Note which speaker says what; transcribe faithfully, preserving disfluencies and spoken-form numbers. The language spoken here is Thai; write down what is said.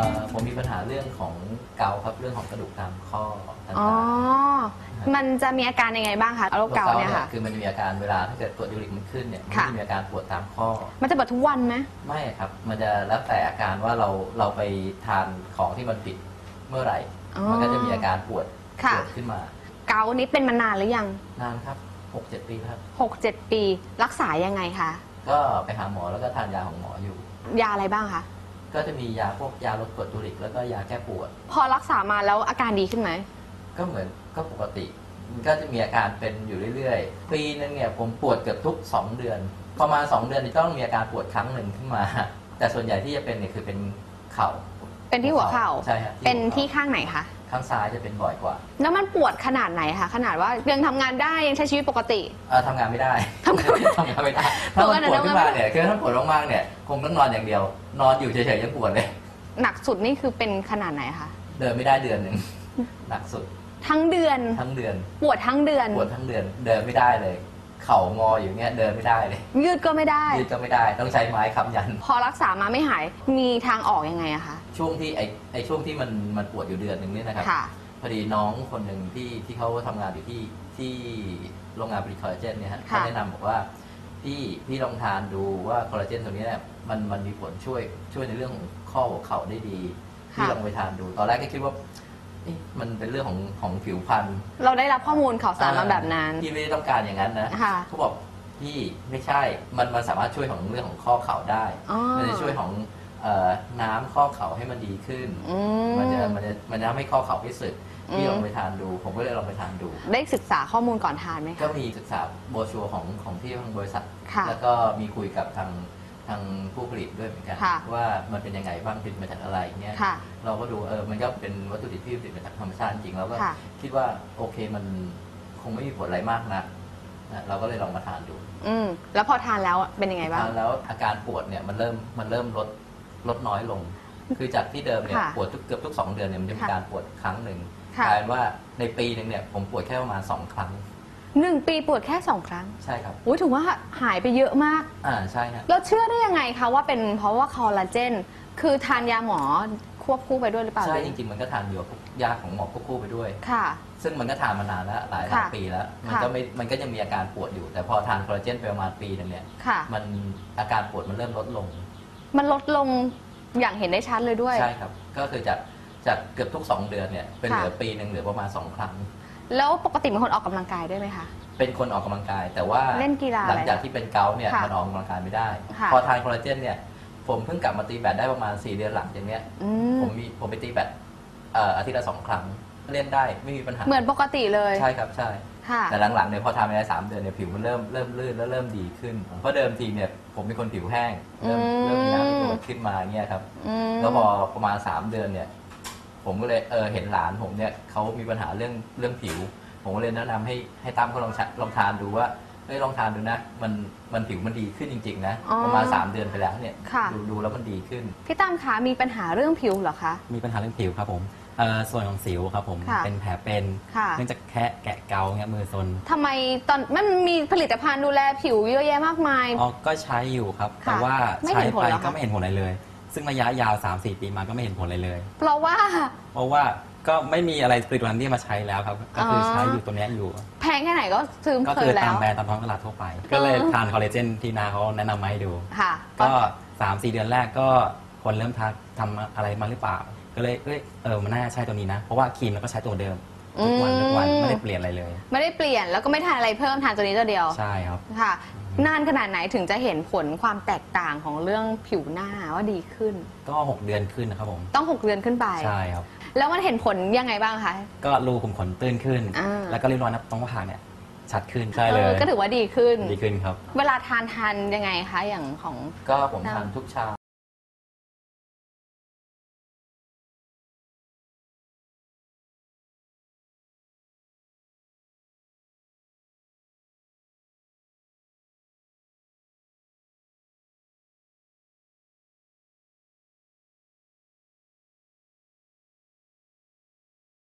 Speaker 1: ผมมีปัญหาเรื่องของเกาครับเรื่องของกระดูกตามข้อต่างๆ
Speaker 2: อ๋อ มันจะมีอาการยังไงบ้างคะโรคเกาต์เนี่ยค่ะ
Speaker 1: คือมันจะมีอาการเวลาถ้าเกิดกรดยูริกมันขึ้นเนี่ยมัน
Speaker 2: ค่ะ
Speaker 1: จะมีอาการปวดตามข้อ
Speaker 2: มันจะปวดทุกวันไหม
Speaker 1: ไม่ครับมันจะแล้วแต่อาการว่าเราเราไปทานของที่มันผิดเมื่อไหร่
Speaker 2: อ๋อ
Speaker 1: มันก็จะมีอาการปวด
Speaker 2: ค่ะ
Speaker 1: ปวดขึ้นมา
Speaker 2: เกาต์นี้เป็นมานานหรือยัง
Speaker 1: นานครับ หกเจ็ด ปีครับ
Speaker 2: หกเจ็ด ปีรักษายังไงคะ
Speaker 1: ก็ไปหาหมอแล้วก็ทานยาของหมออยู่
Speaker 2: ยาอะไรบ้างคะ
Speaker 1: ก็จะมียาพวกยาลดกรดยูริกแล้วก็ยาแก้ปวด
Speaker 2: พอรักษามาแล้วอาการดีขึ้นไหม
Speaker 1: ก็เหมือนก็ปกติมันก็จะมีอาการเป็นอยู่เรื่อยๆปีนึงเนี่ยผมปวดเกือบทุกสองเดือนประมาณสองเดือนนี่ต้องมีอาการปวดครั้งหนึ่งขึ้นมา แต่ส่วนใหญ่ที่จะเป็นเนี่ยคือเป็นเข่า
Speaker 2: เป็นที่หัวเข่า
Speaker 1: ใช่ครับ
Speaker 2: เป็นที่ข้างไหนคะ
Speaker 1: ข้างซ้ายจะเป็นบ่อยกว่า
Speaker 2: แล้วมันปวดขนาดไหนคะขนาดว่ายังทำงานได้ยังใช้ชีวิตปกติ
Speaker 1: เออทำงานไม่ได้
Speaker 2: ทำงานไม่ได้
Speaker 1: ทำงานไม่ได้ถ้ามันปวดขึ้นมาเนี่ยคือถ้าปวดมากๆเนี่ยคงต้องนอนอย่างเดียว นอนอยู่เฉยๆยังปวดเลย
Speaker 2: หนักสุดนี่คือเป็นขนาดไหนคะ
Speaker 1: เดินไม่ได้เดือนหนึ่ง หนักสุด
Speaker 2: ทั้งเดือน
Speaker 1: ทั้งเดือน
Speaker 2: ปวดทั้งเดือน
Speaker 1: ปวดทั้งเดือนเดินไม่ได้เลย เข่างออยู่เนี่ยเดินไม่ได้เลย
Speaker 2: ยืดก็ไม่ได้
Speaker 1: ยืดก็ไม่ได้ต้องใช้ไม้ค้ำยัน
Speaker 2: พอรักษามาไม่หายมีทางออกยังไงอะคะ
Speaker 1: ช่วงที่ไอไอช่วงที่มันมันปวดอยู่เดือนหนึ่งเนี่ยนะครับ
Speaker 2: ค่ะ
Speaker 1: พอดีน้องคนหนึ่งที่ที่เขาทำงานอยู่ที่ที่โรงงานผลิตคอลลาเจนเนี่ยฮะ
Speaker 2: ค่ะ
Speaker 1: เขาแนะนำบอกว่าพี่พี่ลองทานดูว่าคอลลาเจนตัวนี้เนี่ยมันมันมีผลช่วยช่วยในเรื่องของข้อหัวเข่าได้ดีพี่ลองไปทานดู ตอนแรกก็คิดว่าเอ๊ะมันเป็นเรื่องของของผิวพรรณ
Speaker 2: เราได้รับข้อมูลข่าวสารมาแบบนั้น
Speaker 1: พี่ไม่ได้ต้องการอย่างนั้นนะ
Speaker 2: ค่ะ
Speaker 1: เขาบอกพี่ไม่ใช่มันมันสามารถช่วยของเรื่องของข้อเข่าได้
Speaker 2: อ๋อ
Speaker 1: มันจะช่วยของเอ่อน้ำข้อเข่าให้มันดีขึ้น
Speaker 2: อืม
Speaker 1: มันจะมันจะมันจะทำให้ข้อเข่าไม่สึก
Speaker 2: อืม
Speaker 1: พี่ลองไปทานดู ผมก็เลยลองไปทานดู
Speaker 2: ได้ศึกษาข้อมูลก่อนทานไหม
Speaker 1: ก็
Speaker 2: คะ
Speaker 1: มีศึกษาโบรชัวร์ของของที่ทางบริษัท
Speaker 2: ค่ะ
Speaker 1: แล้วก็มีคุยกับทางทางผู้ผลิตด้วยเหมือนกัน
Speaker 2: ค่ะ
Speaker 1: ว่ามันเป็นยังไงบ้างผลิตมาจากอะไรเงี้ย
Speaker 2: ค่ะ
Speaker 1: เราก็ดูเออมันก็เป็นวัตถุดิบที่ผลิตมาจากธรรมชาติจริงแล้วก็
Speaker 2: ค่ะ
Speaker 1: คิดว่าโอเคมันคงไม่มีผลอะไรมากนะนะเราก็เลยลองมาทานดู
Speaker 2: อืมแล้วพอทานแล้วเป็นยังไงบ้าง
Speaker 1: ทานแล้วอาการปวดเนี่ยมันเริ่มมันเริ่มลดลดน้อยลง คือจากที่เดิมเนี่ย
Speaker 2: ค่ะ
Speaker 1: ปวดทุกเกือบทุกสองเดือนเนี่ยมันจะมี
Speaker 2: ค่ะ
Speaker 1: การปวดครั้งหนึ่ง
Speaker 2: ค่ะ
Speaker 1: กลายเป็นว่าในปีหนึ่งเนี่ยผมปวดแค่ประมาณสองครั้ง
Speaker 2: หนึ่งปีปวดแค่สองครั้ง
Speaker 1: ใช่ครับ
Speaker 2: อุ้ยถือว่าหายไปเยอะมาก
Speaker 1: อ่าใช่ฮะ
Speaker 2: เราเชื่อได้ยังไงคะว่าเป็นเพราะว่าคอลลาเจน คือทานยาหมอควบคู่ไปด้วยหรือเปล่า
Speaker 1: ใช่จริงๆมันก็ทานอยู่กับพวกยาของหมอควบคู่ไปด้วย
Speaker 2: ค่ะ
Speaker 1: ซึ่งมันก็ทานมานานแล้วหลายหลาย
Speaker 2: ค่ะ
Speaker 1: ปีแล้ว มัน
Speaker 2: ค่ะ
Speaker 1: ก็ไม่มันก็ยังมีอาการปวดอยู่ แต่พอทานคอลลาเจนไปประมาณปีหนึงเนี่ย
Speaker 2: ค่ะ
Speaker 1: มันอาการปวดมันเริ่มลดลง
Speaker 2: มันลดลงอย่างเห็นได้ชัดเลยด้วย
Speaker 1: ใช่ครับก็คือจากจากเกือบทุกสองเดือนเนี่ยเป็นเหลือ
Speaker 2: ค่ะ
Speaker 1: ปีหนึ่งเหลือประมาณสองครั้ง
Speaker 2: แล้วปกติเป็นคนออกกำลังกายด้วยไหมคะ
Speaker 1: เป็นคนออกกำลังกาย แต่ว่า
Speaker 2: เล่นกีฬา
Speaker 1: หลังจาก
Speaker 2: อะไร
Speaker 1: ที่เป็นเกาต์เนี่ย
Speaker 2: ค่ะ
Speaker 1: มันออกกำลังกายไม่ได้
Speaker 2: ค่ะ
Speaker 1: พอทานคอลลาเจนเนี่ยผมเพิ่งกลับมาตีแบดได้ประมาณสี่เดือนหลังอย่างเนี้ย
Speaker 2: อืม
Speaker 1: ผมมีผมไปตีแบดเอ่ออาทิตย์ละสองครั้งเล่นได้ไม่มีปัญหา
Speaker 2: เหมือนปกติเลย
Speaker 1: ใช่ครับใช่
Speaker 2: ค่ะ
Speaker 1: แต่หลังๆเนี่ยพอทำไปได้สามเดือนเนี่ยผิวมันเริ่มเริ่มลื่นแล้วเริ่มดีขึ้นเพราะเดิมทีเนี่ยผมเป็นคนผิวแห้งเริ่ม
Speaker 2: อืม
Speaker 1: เริ่มมีน้ำที่ตัวขึ้นมาเงี้ยครับ
Speaker 2: อืม
Speaker 1: แล้วพอประมาณสามเดือนเนี่ยผมก็เลยเออเห็นหลานผมเนี่ยเขามีปัญหาเรื่องเรื่องผิว ผมก็เลยแนะนำให้ให้ตั้มเขาลองลองทานดูว่าเฮ้ยลองทานดูนะมันมันผิวมันดีขึ้นจริงๆนะ
Speaker 2: อ๋อ
Speaker 1: ประมาณสามเดือนไปแล้วเนี่ย
Speaker 2: ค่ะ
Speaker 1: ดูดูแล้วมันดีขึ้น
Speaker 2: พี่ตั้มคะมีปัญหาเรื่องผิวเหรอคะ
Speaker 3: มีปัญหาเรื่องผิวครับผมเอ่อส่วนของสิวครับผม
Speaker 2: ค่ะ
Speaker 3: เป็นแผลเป็น
Speaker 2: ค่ะ
Speaker 3: เนื่องจากแค่แกะเกาเงี้ยมือซน
Speaker 2: ทำไมตอนมันมีผลิตภัณฑ์ดูแลผิวเยอะแยะมากมาย
Speaker 3: อ๋อก็ใช้อยู่ครับ
Speaker 2: ค่ะ
Speaker 3: แต่ว่า
Speaker 2: ไม่
Speaker 3: ใช้
Speaker 2: เห็นผล
Speaker 3: ไป
Speaker 2: เหรอคะ
Speaker 3: ก็ไม่เห็นผลอะไรเลย ซึ่งระยะยาว สามสี่ ปีมาก็ไม่เห็นผลอะไรเลย
Speaker 2: เพราะว่า
Speaker 3: เพราะว่าก็ไม่มีอะไรผลิตภัณฑ์ที่มาใช้แล้วครับ ก็คือใช้อยู่ตัวเนี้ยอยู่
Speaker 2: แพงแค่ไหนก็ซื้อ
Speaker 3: ก็
Speaker 2: เค
Speaker 3: คื
Speaker 2: ย
Speaker 3: อ
Speaker 2: แล้
Speaker 3: ตาม
Speaker 2: ว
Speaker 3: แบรนด์ตามท้องตลาดทั่วไป ก็เลยทานคอลลาเจนที่นาเขาแนะนำมาให้ดู
Speaker 2: ค่ะ
Speaker 3: ก็ สามสี่ เดือนแรกก็คนเริ่มทักทำอะไรมาหรือเปล่า ก็เลยเอ้ยเออมันน่าใช่ตัวนี้นะ เพราะว่าครีมเราก็ใช้ตัวเดิมทุกวันทุกวันไม่ได้เปลี่ยนอะไรเลย
Speaker 2: ไม่ได้เปลี่ยนแล้วก็ไม่ทานอะไรเพิ่มทานตัวนี้ตัวเดียว
Speaker 3: ใช่ครับ
Speaker 2: ค่ะ นานขนาดไหนถึงจะเห็นผลความแตกต่างของเรื่องผิวหน้าว่าดีขึ้น
Speaker 3: ก็หกเดือนขึ้นนะครับผม
Speaker 2: ต้องหกเดือนขึ้นไป
Speaker 3: ใช่ครับ
Speaker 2: แล้วมันเห็นผลยังไงบ้างคะ
Speaker 3: ก็รูขุมขนตื้นขึ้น
Speaker 2: อ่า
Speaker 3: แล้วก็ริ้วรอยนับตรงผากเนี่ย ชัดขึ้น ใช่เล
Speaker 2: เอย อก็ถือว่าดีขึ้น
Speaker 3: ดีขึ้นครับ
Speaker 2: เวลาทานทานยังไงคะอย่างของ
Speaker 1: ก็ผมทานทุกเช้า